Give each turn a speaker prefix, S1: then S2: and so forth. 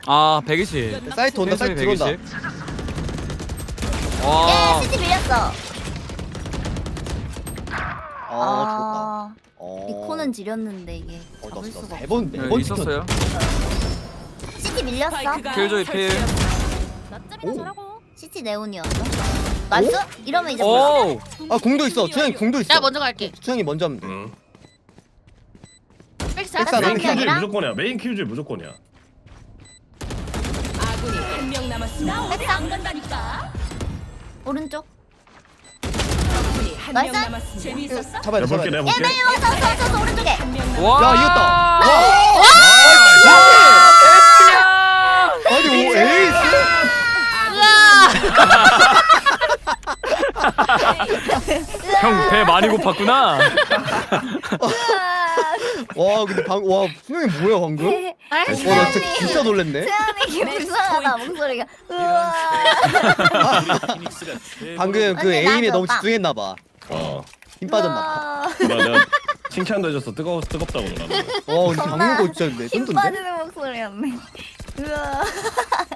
S1: 아 120.
S2: 사이트 온다. 사이트 들어온다.
S1: 120. 와.
S3: 시티 밀렸어.
S2: 아
S3: 리코는 지렸는데 이게 잡을 수가 없어.
S2: 매번
S1: 네,
S2: 매번
S1: 있었어요.
S3: 시티 밀렸어.
S1: 킬조이 필.
S3: 나 잘하고. 시티 네온이었어. 나이스? 이러면 이제
S1: 오.
S2: 아 공도 있어. 주영이 공도 있어.
S4: 내가 먼저 갈게.
S2: 주영이 먼저 하면 돼.
S4: 백사.
S2: 백사
S3: 메인
S2: 메인
S3: 킬줄
S2: 킬줄
S5: 무조건이야. 메인 킬줄 무조건이야.
S6: 아군이 한 명 남았습니다.
S3: 백사.
S6: 안 간다니까.
S3: 오른쪽.
S6: 적군이 한 명
S3: 나이스.
S6: 남았습니다. 재미있었어?
S2: 잡아야 돼.
S5: 내가 볼게.
S2: 잡아야 돼.
S5: 내가 볼게.
S3: 메인 와서 오른쪽에.
S6: 한명
S1: 와.
S2: 야 이겼다. 아니 오 에이스.
S1: 형 배 많이 고팠구나.
S2: 와 근데 와 수영이 뭐야 방금? 와 나 진짜 놀랬네.
S3: 세연이 불쌍하다 목소리가. 우와.
S2: 방금 그
S3: 근데
S2: 에임에
S3: 나도
S2: 너무
S3: 오빠.
S2: 집중했나 봐. 힘 빠졌나 봐.
S5: 내가 칭찬도 해줘서 뜨겁다고 그러는데.
S2: 와 근데 방금 거 진짜
S3: 힘
S2: 레전드인데?
S3: 빠지는 목소리였네. 우와.